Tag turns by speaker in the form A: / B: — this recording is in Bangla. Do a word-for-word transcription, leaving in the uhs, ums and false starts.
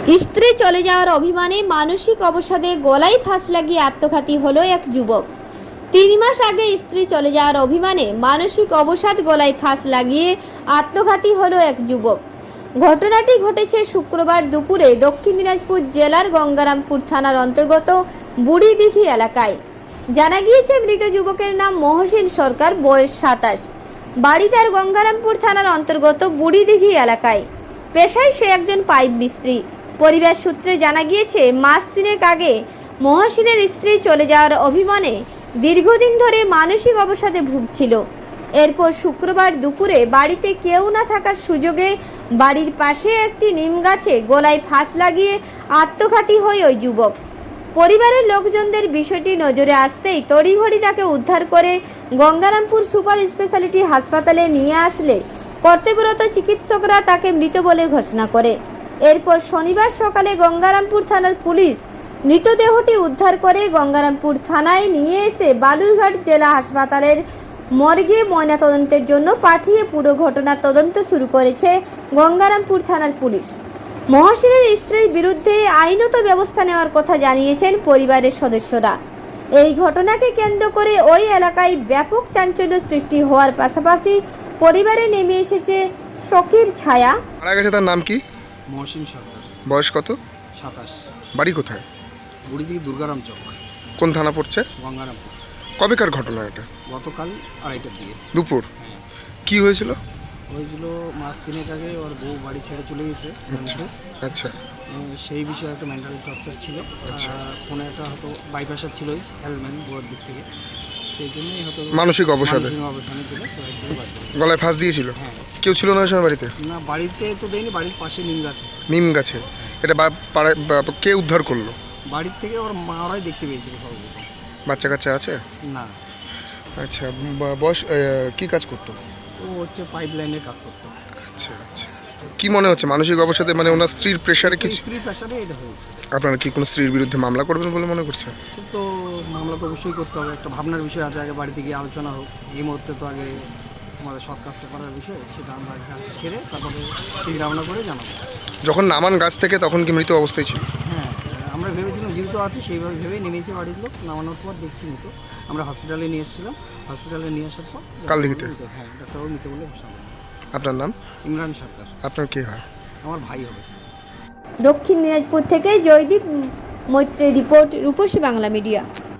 A: স্ত্রী চলে যাওয়ার অভিমানে মানসিক অবসাদে গলায় ফাঁস লাগিয়ে আত্মঘাতী হলো এক যুবক। তিন মাস আগে স্ত্রী চলে যাওয়ার অভিমানে মানসিক অবসাদ গলায় ফাঁস লাগিয়ে আত্মঘাতী হলো এক যুবক। ঘটনাটি ঘটেছে শুক্রবার দুপুরে দক্ষিণ দিনাজপুর জেলার গঙ্গারামপুর থানার অন্তর্গত বুড়িদিঘি এলাকায়। জানা গিয়েছে মৃত যুবকের নাম মহসিন সরকার, বয়স সাতাশ। বাড়ি তার গঙ্গারামপুর থানার অন্তর্গত বুড়িদিঘি এলাকায়। পেশায় সে একজন পাইপ মিস্ত্রি। পরিবার সূত্রে জানা গিয়েছে মাস তিনেক আগে মহসিনের স্ত্রী চলে যাওয়ার অভিমানে দীর্ঘদিন ধরে মানসিক অবসাদে ভুগছিল। এরপর শুক্রবার দুপুরে বাড়িতে কেউ না থাকার সুযোগে বাড়ির পাশে একটি নিম গাছে গলায় ফাঁস লাগিয়ে আত্মঘাতী হয় ওই যুবক। পরিবারের লোকজনদের বিষয়টি নজরে আসতেই তড়িঘড়ি তাকে উদ্ধার করে গঙ্গারামপুর সুপার স্পেশালিটি হাসপাতালে নিয়ে আসলে কর্তব্যরত চিকিৎসকরা তাকে মৃত বলে ঘোষণা করে। এরপর শনিবার সকালে গঙ্গারামপুর থানার পুলিশ মৃতদেহটি উদ্ধার করে গঙ্গারামপুর থানায় নিয়ে এসে বালুরঘাট জেলা হাসপাতালের মর্গে ময়নাতদন্তের জন্য পাঠিয়ে পুরো ঘটনার তদন্ত শুরু করেছে গঙ্গারামপুর থানার পুলিশ। মহসিনের স্ত্রীর বিরুদ্ধে আইনত ব্যবস্থা নেওয়ার কথা জানিয়েছেন পরিবারের সদস্যরা। এই ঘটনাকে কেন্দ্র করে ওই এলাকায় ব্যাপক চাঞ্চল্য সৃষ্টি হওয়ার পাশাপাশি পরিবারে নেমে এসেছে শোকের ছায়া।
B: মারা গেছে তার নাম কি?
C: মহসিন সরকার,
B: বয়স কত?
C: সাতাশ।
B: বাড়ি কোথায়?
C: বুড়িদিঘি দুর্গারাম চক,
B: কোন থানা পড়ছে?
C: গঙ্গারামপুর।
B: কবেকার ঘটনা এটা?
C: গতকাল আড়াইটার দিকে।
B: দুপুর?
C: হ্যাঁ,
B: কি হয়েছিল?
C: হয়েছিল মাস তিনেক আগে ওর বউ বাড়ি ছেড়ে চলে গেছে।
B: আচ্ছা
C: উম, সেই বিষয়ে একটা মেন্টাল টর্চার ছিল।
B: আচ্ছা।
C: আর ফোনে একটা হয়তো বাইপাসার ছিলই হ্যাজমেন্ট বউয়ের দিক থেকে, সেই জন্যই হয়তো
B: মানসিক অবসাদে
C: মানসিক অবসানে ছিল। সবাই থেকে বাদ দিল।
B: গলায় ফাঁস দিয়েছিল?
C: হ্যাঁ,
B: কেউ ছিল না ওই সময় বাড়িতে?
C: না বাড়িতে তো দেয়নি, বাড়ির পাশে নিম গাছে।
B: নিম গাছে? এটা বা- পাড়ায়- বা- কে উদ্ধার করলো?
C: বাড়ির থেকে ওর মারাই দেখতে পেয়েছিল সর্বপ্রথম।
B: বাচ্চা কাচ্চা আছে?
C: না,
B: আচ্ছা, বা- বয়স আহ, কি কাজ করতো?
C: ও হচ্ছে পাইপ লাইনের কাজ করতো।
B: আচ্ছা আচ্ছা, কি মনে হচ্ছে মানসিক অবসাদে, মানে ওনার স্ত্রীর প্রেশারে
C: সেই
B: কিছু?
C: স্ত্রীর প্রেশারে এটা হয়েছে।
B: আপনারা কি কোনো স্ত্রীর বিরুদ্ধে মামলা করবেন বলে মনে করছেন?
C: সে তো মামলা তো অবশ্যই করতে হবে, একটা ভাবনার বিষয় আছে। আগে বাড়িতে গিয়ে আলোচনা হোক। এই মুহূর্তে তো আগে আমাদের সৎ কাজটা করার বিষয়, সেটা আমরা কাজটা সেরে তারপরে চিন্তা ভাবনা করে জানাবো।
B: যখন নামান গাছ থেকে তখন কি মৃত অবস্থায় ছিল?
C: হ্যাঁ, আমরা ভেবেছিলাম জীবিত আছে, সেইভাবে ভেবেই নেমেছে বাড়ির লোক। নামানোর পর দেখছি মৃত। আমরা হসপিটালে নিয়ে এসেছিলাম। হসপিটালে নিয়ে আসার পর
B: কালদিঘিতে?
C: হ্যাঁ, ডাক্তারবাবু মৃত বলে ঘোষণা করলেন।
B: আপনার নাম?
C: ইমরান সরকার।
B: আপনার কে হয়?
C: আমার ভাই হবে।
A: দক্ষিণ দিনাজপুর থেকে জয়দীপ মৈত্রের রিপোর্ট, রূপসী বাংলা মিডিয়া।